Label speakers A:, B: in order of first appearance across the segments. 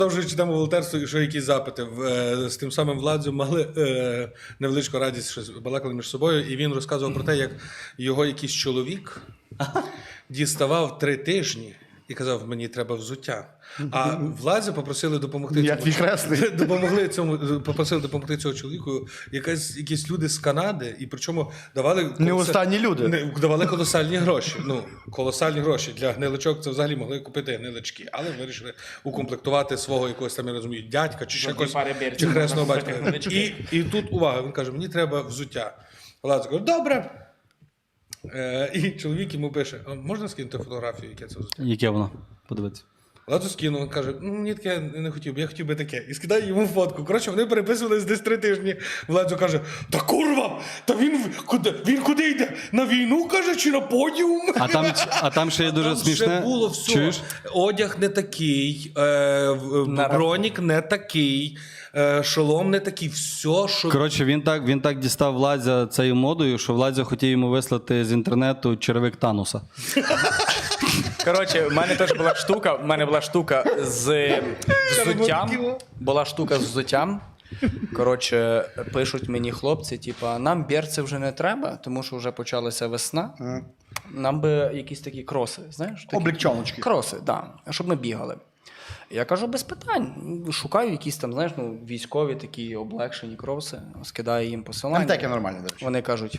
A: Продовжуючи тему волонтерства, і що якісь запити. З тим самим Владзю мали невеличку радість, щось балакали між собою, і він розказував про те, як його якийсь чоловік діставав 3 тижні і казав, мені треба взуття. А Владзю попросили допомогти
B: Я твій хресний.
A: попросили допомогти цього чоловіку якісь люди з Канади, і причому давали...
B: Не останні люди.
A: Давали колосальні гроші. Ну, колосальні гроші. Для гниличок це взагалі могли купити гнилички, але вирішили укомплектувати свого якогось там, я розумію, дядька чи ще якогось, чи хресного батька. І тут, увага, він каже, мені треба взуття. Владзю каже, добре. І чоловік йому пише, а можна скинути фотографію, яке це взуття?
C: Яке воно? Подивитися.
A: Владзю скинув, він каже, мені таке не хотів би, я хотів би таке. І скидає йому фотку. Коротше, вони переписувались десь 3 тижні. Владзю каже, та курва, та він куди йде? На війну, каже, чи на подіум?
C: А там ще є дуже смішне.
A: Вже було все.
C: Чуєш?
A: Одяг не такий, бронік не такий, шолом не такий, все, що...
C: Коротше, він так дістав Владзя цією модою, що Владзя хотів йому вислати з інтернету черевик Тануса.
D: Коротше, в мене теж була штука, з взуттям. Була штука з взуттям. Коротше, пишуть мені хлопці, типа, нам берці вже не треба, тому що вже почалася весна. Нам би якісь такі кроси, знаєш? Такі
B: Облегчоночки.
D: Кроси, так, да, щоб ми бігали. Я кажу, без питань. Шукаю якісь там, знаєш, військові такі облегшені кроси, скидаю їм посилання.
B: Антеки нормальні, до речі.
D: Вони кажуть,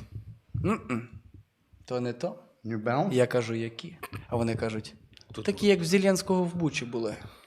D: то не то.
B: New Balance?
D: Я кажу, які? А вони кажуть, такі, як в Зеленського в Бучі були.